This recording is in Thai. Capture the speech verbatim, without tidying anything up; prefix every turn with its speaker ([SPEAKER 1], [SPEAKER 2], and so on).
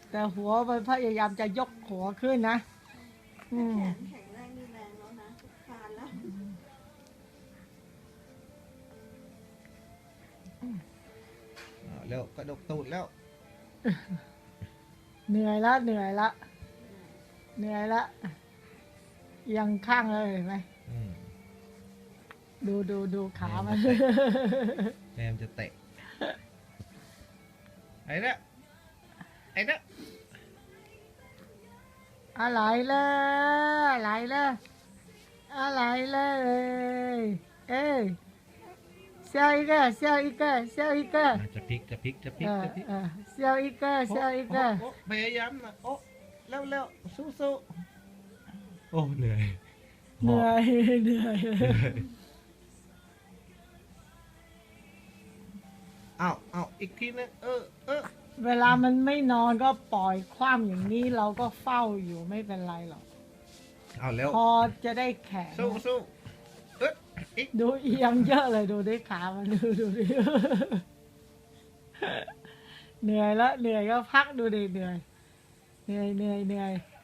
[SPEAKER 1] แต่หัวมันพยายามจะยกหัวขึ้นนะอืม
[SPEAKER 2] แขนแข็งแรงนี่แรงแล้วนะคลานแล้ว
[SPEAKER 3] เอาแล้วกระดกตูดแล้ว
[SPEAKER 1] เหนื่อยละเหนื่อยละเหนื่อยละยังข้างเลยเห็นไหม
[SPEAKER 3] อืม
[SPEAKER 1] ดูดูดูขามัน
[SPEAKER 3] แมมจะเตะไอ้เนี่ยไอ้เนี่ย
[SPEAKER 1] อะไรเลยอะไรเลยอะไรเลยเอ้ย笑一个笑一个笑一个
[SPEAKER 3] อ่ะจะพลิกจะพลิกจะพลิ
[SPEAKER 1] เอก อ
[SPEAKER 3] จะพลิก
[SPEAKER 1] เออ笑一个笑一个
[SPEAKER 3] โอ้โอ้พยายามนะโอ้เร็วเร็วสู้สู้โอ้เหนื่อย
[SPEAKER 1] เหนื่อยเหนื่อย
[SPEAKER 3] เหนื่อยเอาเอาอีกทีนึงเออเออ
[SPEAKER 1] เวลามันไม่นอนก็ปล่อยคว่ำอย่างนี้เราก็เฝ้าอยู่ไม่เป็นไรหรอก
[SPEAKER 3] เอาแล้ว
[SPEAKER 1] พอจะได้แข็ง
[SPEAKER 3] สู้สู้เอ๊ะอีก
[SPEAKER 1] ดูเอียงเยอะเลยดูดิขามันดูดูดิเหนื่อยแล้วเหนื่อยก็พักดูดิเหนื่อยเหนื่อยเหนื่อยเหนื่อย